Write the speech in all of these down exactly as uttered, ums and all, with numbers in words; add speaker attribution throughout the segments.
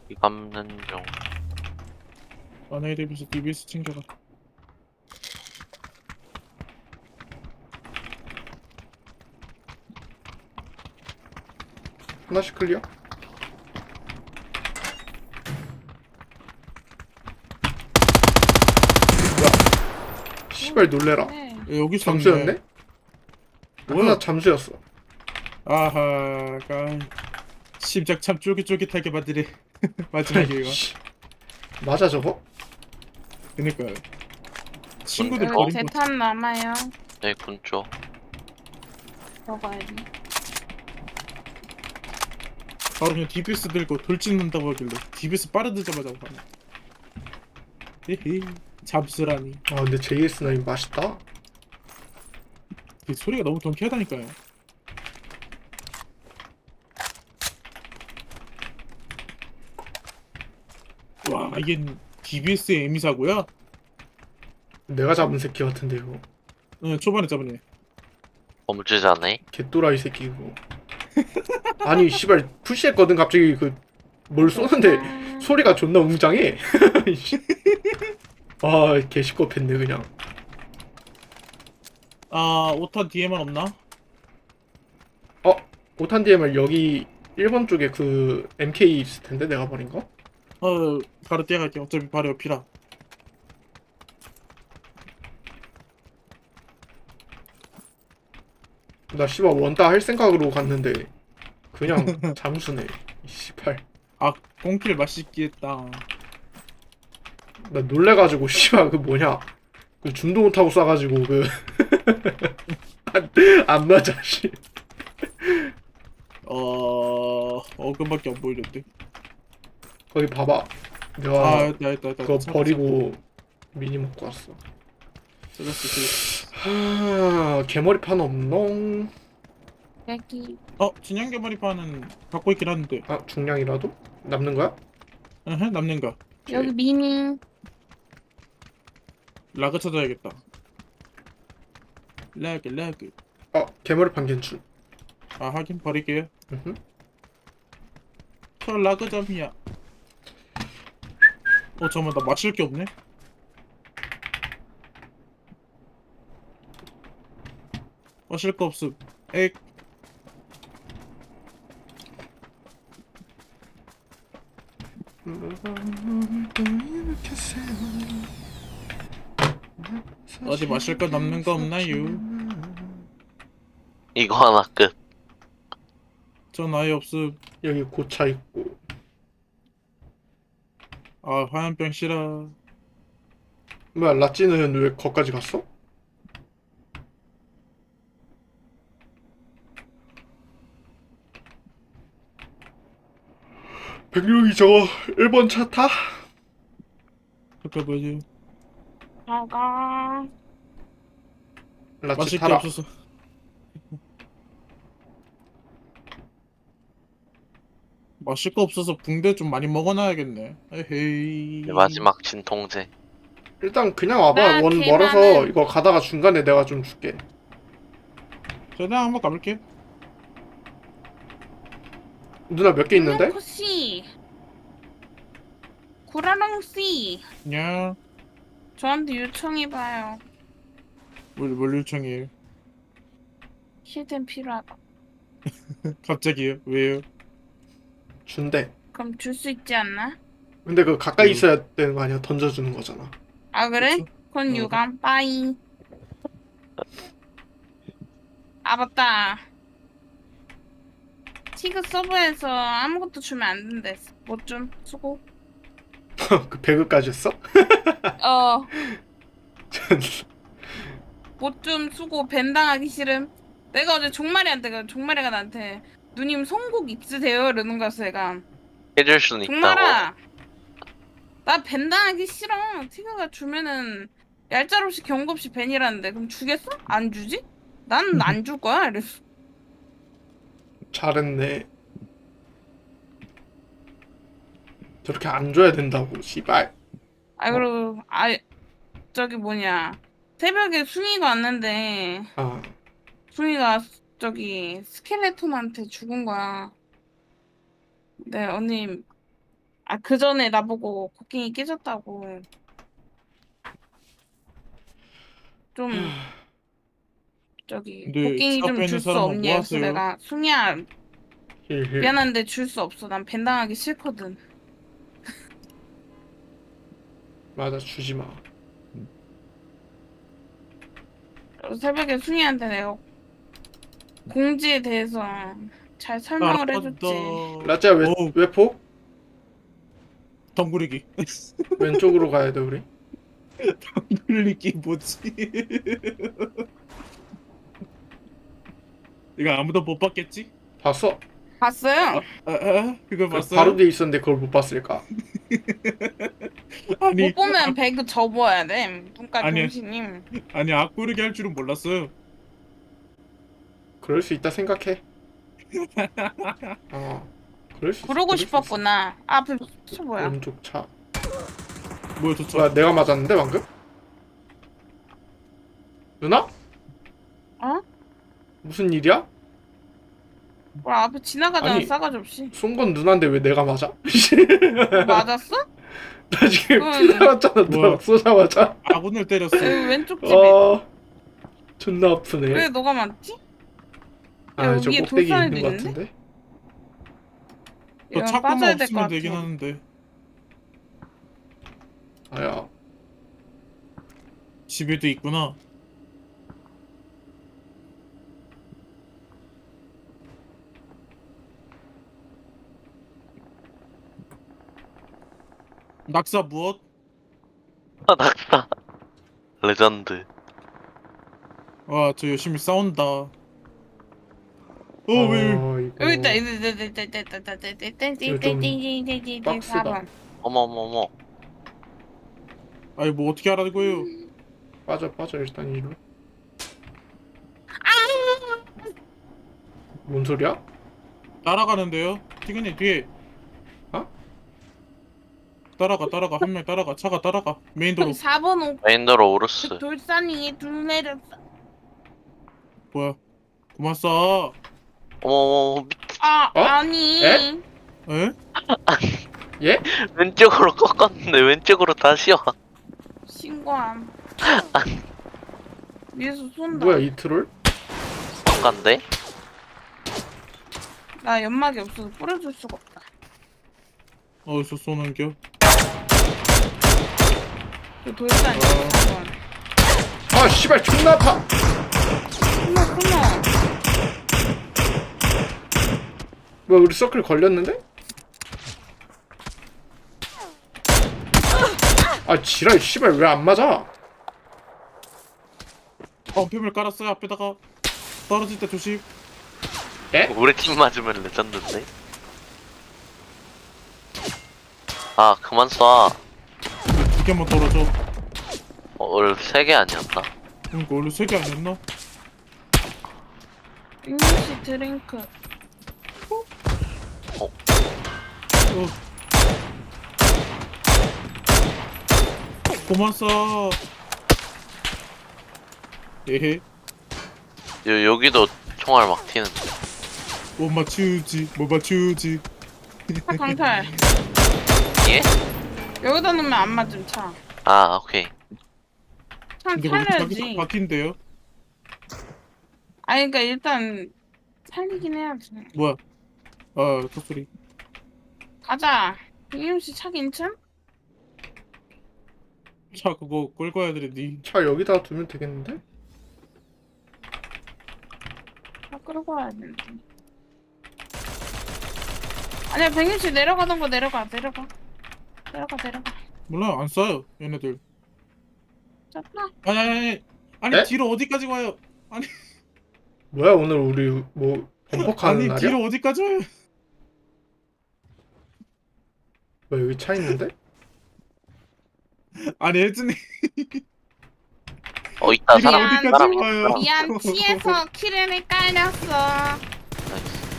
Speaker 1: 이 감는 중.
Speaker 2: 만화에 대비해서 디비에스 챙겨가.
Speaker 3: 하나씩 클리어? 뭐야? 씨발 놀래라.
Speaker 4: 네.
Speaker 2: 야, 여기 있었네.
Speaker 3: 잠수였네?
Speaker 2: 뭐야?
Speaker 3: 하나 잠수였어.
Speaker 2: 아하가 심장 참 쫄깃쫄깃하게 만드네. 마지막에 이거.
Speaker 3: 씨. 맞아 저거?
Speaker 2: 그니까요. 친구들
Speaker 1: 어?
Speaker 4: 여기
Speaker 2: 버린 거.
Speaker 4: 대탄 남아요.
Speaker 1: 네, 군쪽.
Speaker 4: 먹어야 돼.
Speaker 2: 바로 그냥 디비에스 들고 돌진한다고 하길래 디비에스 빠르드자마자 가네. 헤헤. 잠수라니.
Speaker 3: 아 근데 제이에스 나인 맛있다.
Speaker 2: 그 소리가 너무 경쾌하다니까요. 와 이게 디비에스의 에미사고요?
Speaker 3: 내가 잡은 새끼 같은데 이거.
Speaker 2: 응 초반에 잡으네.
Speaker 1: 범죄자네.
Speaker 3: 개또라이 새끼 이거. 아니 씨발 푸시했거든 갑자기 그 뭘 쏘는데
Speaker 4: 아,
Speaker 3: 소리가 존나 웅장해. 아 개시끄럽했네 그냥.
Speaker 2: 아 오탄 뒤에만 없나?
Speaker 3: 어? 오탄 디엠알 여기 일 번 쪽에 그 엠케이 있을 텐데 내가 버린 거?
Speaker 2: 어 바로 뛰어갈게. 어차피 바로 옆이라.
Speaker 3: 나 씨발 원따 할 생각으로 갔는데 그냥 잠수네. 이 씨발.
Speaker 2: 아 꽁킬 맛있게 했다.
Speaker 3: 나 놀래가지고 씨발 그 뭐냐 그 줌도 못하고 쏴가지고 그 안, 안 맞아 씨.
Speaker 2: 어 어금밖에 안 보이는데.
Speaker 3: 거기 봐봐.
Speaker 2: 아
Speaker 3: 내가
Speaker 2: 있다 있다 있다.
Speaker 3: 그거 버리고 미니 먹고 왔어.
Speaker 2: 찾았어. 찾았어.
Speaker 3: 하... 개머리판 없농?
Speaker 4: 여기
Speaker 2: 어 진양 개머리판은 갖고 있긴 한데.
Speaker 3: 아 중량이라도? 남는 거야?
Speaker 2: 에헤 남는가?
Speaker 4: 여기 미니.
Speaker 2: 라그 찾아야겠다. 라그 라그.
Speaker 3: 어 개머리판 괜춘.
Speaker 2: 아 하긴 버릴게요.
Speaker 3: 으흠.
Speaker 2: 저 라그점이야. 어 잠깐만 나 맞힐 게 없네. 마실 거 없음. 에이 어디 마실 거 남는 거 없나요?
Speaker 1: 이거 하나 끝.
Speaker 2: 전 아예 없음.
Speaker 3: 여기 고차 있고.
Speaker 2: 아 화염병 싫어.
Speaker 3: 뭐야 라찌는 왜 거기까지 갔어? 백룡이 저거 일 번 차 타?
Speaker 2: 그까 뭐지?
Speaker 4: 아가.
Speaker 3: 라찌
Speaker 2: 마실 게
Speaker 3: 타라.
Speaker 2: 없어서. 마실 거 없어서 붕대 좀 많이 먹어놔야겠네. 에헤이.
Speaker 1: 네, 마지막 진통제.
Speaker 3: 일단 그냥 와봐.
Speaker 4: 나
Speaker 3: 원
Speaker 4: 개만은-
Speaker 3: 멀어서 이거 가다가 중간에 내가 좀 줄게.
Speaker 2: 저랑 한번 가볼게.
Speaker 3: 누나 몇 개 있는데?
Speaker 4: 씨. 구라랑 씨.
Speaker 2: 냐.
Speaker 4: 저한테 요청해봐요.
Speaker 2: 뭘, 뭘 요청해요?
Speaker 4: 힐템 필요하다.
Speaker 2: 갑자기요? 왜요?
Speaker 3: 준대.
Speaker 4: 그럼 줄 수 있지 않나?
Speaker 3: 근데 그 가까이
Speaker 2: 음.
Speaker 3: 있어야 되는 거 아니야? 던져주는 거잖아.
Speaker 4: 아 그래?
Speaker 2: 그쵸?
Speaker 4: 그건
Speaker 2: 어.
Speaker 4: 유감. 빠이. 아 맞다. 티그 서버에서 아무것도 주면 안 된대. 뭐 좀 수고.
Speaker 3: 그 배그까지 했어?
Speaker 4: 어. 뭐 좀 수고 벤당하기 싫음. 내가 어제 종마리한테 그 종마리가 나한테 누님 송곡 있으세요? 이러는 거였어 얘가.
Speaker 1: 해줄 수는 있다고.
Speaker 4: 종마라. 나 벤당하기 싫어. 티그가 주면은 얄짤 없이 경고 없이 벤이라는데 그럼 주겠어? 안 주지? 난 안 줄 거야. 이랬어.
Speaker 3: 잘했네. 저렇게 안 줘야 된다고. 씨발.
Speaker 4: 아 그리고 아 저기 뭐냐 새벽에 숭이가 왔는데
Speaker 3: 아
Speaker 4: 숭이가 저기 스켈레톤한테 죽은 거야. 네 언니 아, 그 전에 나보고 곡괭이 깨졌다고. 좀 저기
Speaker 2: 근데
Speaker 4: 곡괭이
Speaker 2: 차
Speaker 4: 좀
Speaker 2: 빼는
Speaker 4: 줄 수
Speaker 2: 사람은
Speaker 4: 없니?
Speaker 2: 뭐
Speaker 4: 그래서
Speaker 2: 하세요?
Speaker 4: 내가 숭이야
Speaker 3: 힐힐.
Speaker 4: 미안한데 줄 수 없어. 난 벤당하기 싫거든.
Speaker 3: 맞아, 주지 마.
Speaker 4: 그래서 새벽에 숭이한테 내가 공지에 대해서 잘 설명을 해줬지.
Speaker 3: 라짜 왜,
Speaker 2: 어우.
Speaker 3: 왜 폭?
Speaker 2: 덩구리기.
Speaker 3: 왼쪽으로 가야 돼 우리.
Speaker 2: 덩구리기 뭐지? 이거 아무도 못 봤겠지?
Speaker 3: 봤어.
Speaker 4: 봤어요?
Speaker 2: 아, 아, 그걸 봤어요?
Speaker 3: 바로 뒤에 있었는데 그걸 못 봤을까?
Speaker 2: 아니,
Speaker 4: 못 보면 배그 접어야 돼. 눈깔
Speaker 2: 아니야.
Speaker 4: 병신님.
Speaker 2: 아니 악구르기 할 줄은 몰랐어요.
Speaker 3: 그럴 수 있다 생각해. 어. 그럴 수 있어.
Speaker 4: 부르고
Speaker 3: 그럴 수
Speaker 4: 싶었구나. 앞에 차
Speaker 3: 있어.
Speaker 4: 뭐야?
Speaker 3: 왼쪽 차.
Speaker 2: 뭐야 저 차?
Speaker 3: 뭐야 내가 맞았는데 방금? 누나?
Speaker 4: 어?
Speaker 3: 무슨 일이야?
Speaker 4: 뭐야 앞에 지나가잖아.
Speaker 3: 아니.
Speaker 4: 싸가지 없이.
Speaker 3: 쏜 건 누나인데 왜 내가 맞아?
Speaker 4: 맞았어?
Speaker 3: 나 지금
Speaker 4: 응.
Speaker 3: 피 나왔잖아. 누나
Speaker 2: 뭐야?
Speaker 3: 쏘자마자.
Speaker 2: 아군을 때렸어.
Speaker 4: 여기 왼쪽 집에.
Speaker 3: 아 존나 아프네.
Speaker 4: 왜 너가 맞지?
Speaker 3: 아
Speaker 4: 야,
Speaker 3: 저
Speaker 4: 위에
Speaker 3: 꼭대기
Speaker 4: 돌산에도
Speaker 3: 있는 것
Speaker 4: 있는데?
Speaker 3: 같은데?
Speaker 2: 저
Speaker 4: 이건
Speaker 2: 차고만
Speaker 4: 빠져야 될 것
Speaker 2: 없으면
Speaker 4: 같아.
Speaker 2: 되긴 하는데
Speaker 3: 아야.
Speaker 2: 집에도 있구나. 낙사 무엇?
Speaker 1: 아, 낙사. 레전드.
Speaker 2: 와, 저 열심히 싸운다. 어, 왜?
Speaker 3: 어, 이거...
Speaker 4: 여기 있다. 여기 있다. 여기 있다. 여기 있다. 여기 있다.
Speaker 3: 좀 빡세다.
Speaker 4: 사 번.
Speaker 1: 어머, 어머, 어머.
Speaker 2: 아니 뭐 어떻게 하라는 거예요?
Speaker 3: 빠져 빠져 일단 이리로. 뭔 소리야?
Speaker 2: 따라가는데요? 티그니 뒤에.
Speaker 3: 어?
Speaker 2: 따라가, 따라가. 한 명 따라가. 차가 따라가. 메인 도로.
Speaker 4: 사 번 오.
Speaker 1: 메인도로 오르스.
Speaker 4: 그 돌산 위에 둘 내렸어.
Speaker 2: 뭐야? 그만 쏴.
Speaker 1: 어머, 어머, 어머. 밑-
Speaker 4: 아
Speaker 3: 어?
Speaker 4: 아니.
Speaker 3: 에?
Speaker 2: 에?
Speaker 3: 예?
Speaker 1: 왼쪽으로 꺾었는데 왼쪽으로 다시 와.
Speaker 4: 신고함. 위에서 쏜다.
Speaker 3: 뭐야 이 트롤?
Speaker 1: 꺾간데?
Speaker 4: 나 연막이 없어서 뿌려줄 수가 없다.
Speaker 2: 어디서 쏘는겨?
Speaker 4: 그 돌산
Speaker 2: 어.
Speaker 4: 사 번.
Speaker 3: 아 씨발 존나 아파.
Speaker 4: 끊어 끊어.
Speaker 3: 뭐야 우리 서클 걸렸는데? 아 지랄 씨발 왜 안 맞아?
Speaker 2: 범패물 깔았어요 앞에다가. 떨어질 때 조심.
Speaker 1: 우리 팀 맞으면 레전드인데? 아, 그만 쏴.
Speaker 2: 두 개만 떨어져.
Speaker 1: 어, 원래 세 개 아니었나?
Speaker 2: 그러니까 원래 세 개 아니었나?
Speaker 4: 잉글리시 드링크.
Speaker 2: 어. 그만 쏴. 에헤.
Speaker 1: 요, 여기도 총알 막 튀는데.
Speaker 2: 못 맞추지. 못 맞추지.
Speaker 4: 차 강탈.
Speaker 1: 예?
Speaker 4: 여기다 놓으면 안 맞음 차.
Speaker 1: 아, 오케이.
Speaker 4: 차
Speaker 2: 근데 거기 자기
Speaker 4: 살려야지.
Speaker 2: 바뀐데요?
Speaker 4: 아니 그러니까 일단 살리긴 해야지.
Speaker 2: 뭐야? 아, 그 소리.
Speaker 4: 가자. 이윤씨 차 괜찮?
Speaker 2: 차 그거 끌고 와야 되는데.
Speaker 3: 차 여기다 두면 되겠는데?
Speaker 4: 차 끌고 와야 되는데. 아니야 백윤씨 내려가던 거 내려가 내려가. 내려가 내려가.
Speaker 2: 몰라, 안 쏴요, 얘네들.
Speaker 4: 졌다.
Speaker 2: 아니, 아니, 아니. 아니,
Speaker 3: 네?
Speaker 2: 뒤로 어디까지 와요?
Speaker 3: 뭐야 오늘 우리 뭐 범벅하는
Speaker 2: 아니,
Speaker 3: 날이야?
Speaker 2: 뒤로 어디까지 와요?
Speaker 3: 뭐야 여기 차 있는데?
Speaker 2: 아니, 혜진이.
Speaker 1: 어, 있다.
Speaker 2: 뒤로
Speaker 1: 사람,
Speaker 2: 어디까지
Speaker 1: 사람 있다.
Speaker 2: 와요?
Speaker 4: 미안 치에서 키렌을 깔렸어.
Speaker 1: 나이스.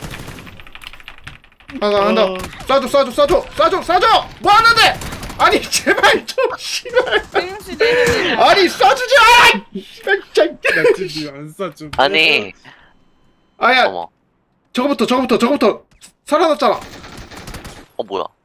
Speaker 3: 하나 한다.
Speaker 2: 어.
Speaker 3: 쏴줘 쏴줘 쏴줘 쏴줘 쏴줘. 뭐 하는데? 아니 제발 좀 씨발.
Speaker 4: 백윤씨 내려 내려.
Speaker 3: 아니 쏴주지 마. 씨발 진짜.
Speaker 2: 나 지금 안 쏴, 좀.
Speaker 1: 아니,
Speaker 3: 아야
Speaker 1: 어머.
Speaker 3: 저거부터 저거부터 저거부터 살아났잖아.
Speaker 1: 어, 뭐야.